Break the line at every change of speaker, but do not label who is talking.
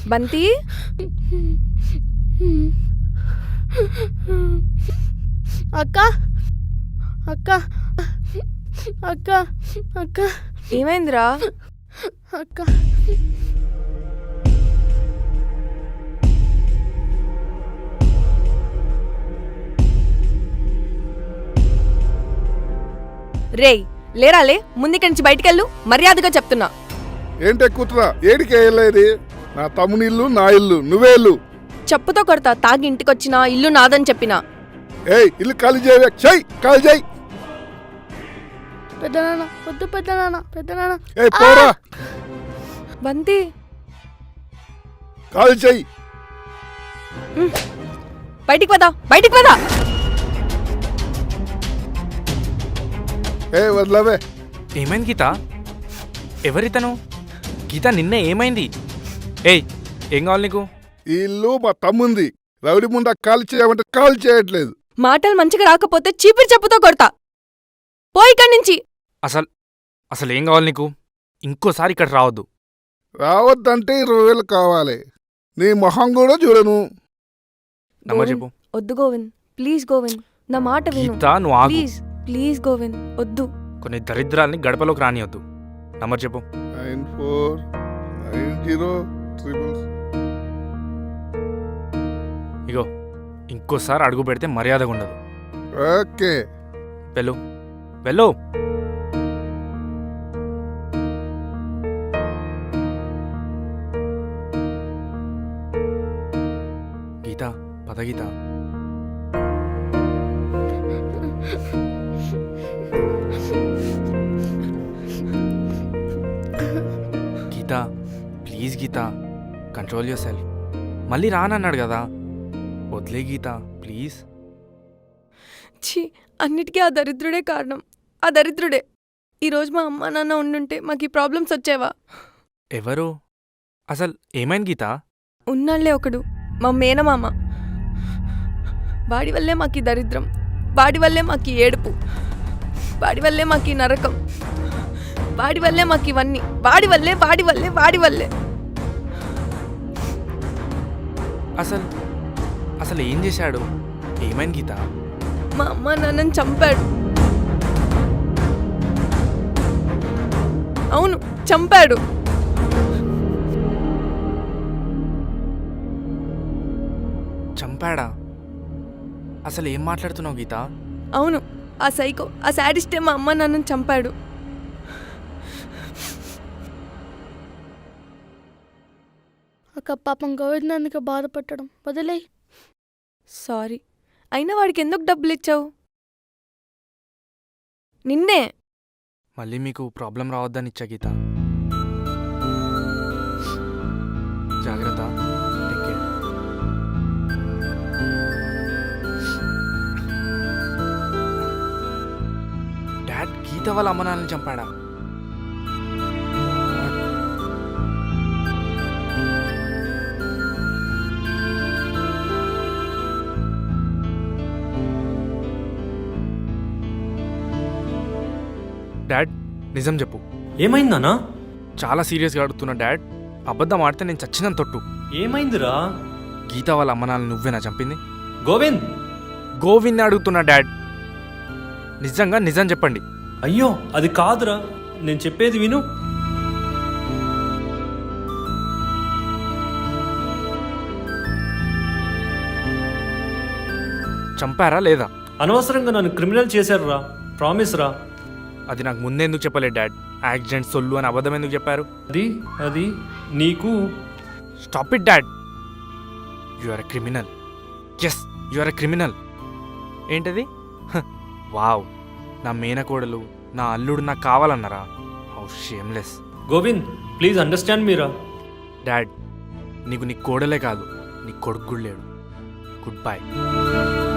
బంతి
అక్క అక్క అక్క అక్క
ఏమైందిరా?
అక్క
రేయ్ లేరాలే, ముందుకి నుంచి బయటికెళ్ళు, మర్యాదగా చెప్తున్నా.
ఏంటే కూతురా, ఏడికి వెళ్ళేది? నా తమ్ముని ఇల్లు, నా ఇల్లు, నువ్వే ఇల్లు.
చెప్పుతో కొడతా. తాగి ఇంటికొచ్చినా ఇల్లు నాదని చెప్పినా.
ఏయ్, ఇల్లు ఖాళీ చేయవే, చెయ్ ఖాళీ చేయి.
పెద్దనాన్న వద్దు, పెద్దనాన్న పెద్దనాన్న.
ఏయ్ పోరా,
బంతి
ఖాళీ చెయ్యి.
బయటికి పదా, బయటికి పదా.
ఏ వదలవే.
ఏమైంది గీత? ఎవరితను? గీత నిన్నే ఏమైంది? ఏయ్ ఏం కావాలి నీకు?
ఈ ఇల్లు మా తమ్ముంది. రౌడి ముందు ఖాళీ చేయమంటే ఖాళీ చేయట్లేదు.
మాటలు మంచిగా రాకపోతే చీపిరి చెప్పుతో కొడతా. పోయి ఇక్కడి నుంచి.
అసలు ఏం కావాలి నీకు? ఇంకోసారి ఇక్కడ రావద్దు.
రావద్దంటే 20,000 కావాలి. నీ మొహం కూడా చూడను.
నమ్మ చెప్పు.
వద్దు గోవింద్, ప్లీజ్ గోవింద్, నా మాట విను.
గీత నువ్వు ఆగు.
ప్లీజ్ ప్లీజ్ గోవింద్, వద్దు.
కొన్ని దరిద్రాల్ని గడపలోకి రానియొద్దు. నంబర్ చెప్పు.
949066.
ఇగో ఇంకోసారి అడుగు పెడితే మర్యాదగా ఉండదు.
ఓకే,
వెళ్ళు వెళ్ళు. గీత పద Geetha. Geetha please Geetha, control yourself. మళ్ళీ రానన్నాడు కదా, వదిలే గీత ప్లీజ్.
ఛీ, అన్నిటికీ ఆ దరిద్రుడే కారణం. ఆ దరిద్రుడే. ఈరోజు మా అమ్మ నాన్న ఉండుంటే మాకు ఈ ప్రాబ్లమ్స్ వచ్చేవా?
ఎవరు? అసలు ఏమైంది గీత?
ఉన్నాళ్లే ఒకడు, మా మేనమామ. వాడి వల్లే మాకు ఈ దరిద్రం, వాడి వల్లే మాకు ఈ ఏడుపు, వాడి వల్లే మాకు ఈ నరకం, వాడి వల్లే మాకు ఇవన్నీ. వాడి వల్లే వాడి వల్లే వాడి వల్లే.
అసలు ఏం చేశాడు? ఏమైంది గీత?
మా అమ్మ నాన్నని చంపాడు. అవును, చంపాడు.
చంపాడా? అసలు ఏం మాట్లాడుతున్నావు గీత?
అవును, ఆ సైకో, ఆ శాడిస్టే మా అమ్మ నాన్నని చంపాడు.
అక్క పాపం గోవిందానికి బాధపట్టడం వదిలే.
సారీ, అయినా వాడికి ఎందుకు డబ్బులు ఇచ్చావు? నిన్నే.
మళ్ళీ మీకు ప్రాబ్లం రావద్దని ఇచ్చా గీత. జాగ్రత్త. Take care. డాడ్ గీత వాళ్ళ అమ్మ నాన్నని చంపాడా? డాడ్ నిజం చెప్పు.
ఏమైందన్నా?
చాలా సీరియస్గా అడుగుతున్నా డాడ్. అబద్ధం ఆడితే నేను చచ్చినంత తొట్టు.
ఏమైందిరా?
గీత వాళ్ళ అమ్మ నాన్న నువ్వేనా చంపింది?
గోవింద్
గోవింద్ అడుగుతున్నా డాడ్. నిజంగా నిజం చెప్పండి.
అయ్యో అది కాదురా, నేను చెప్పేది విను.
చంపారా లేదా?
అనవసరంగా నన్ను క్రిమినల్ చేశారురా, ప్రామిస్ రా.
అది నాకు ముందే ఎందుకు చెప్పలేదు డాడ్? యాక్సిడెంట్ సొల్లు అని అబద్ధం ఎందుకు చెప్పారు?
అది నీకు.
Stop it dad. You are a criminal. Yes, you are a criminal. ఏంటది? వావ్, నా మేనకోడలు, నా అల్లుడు నాకు కావాలన్నారా? How shameless.
Govind please understand Meera.
Dad, నీకు నీ కోడలే కాదు, నీ కొడుకు కూడా లేడు. Good bye.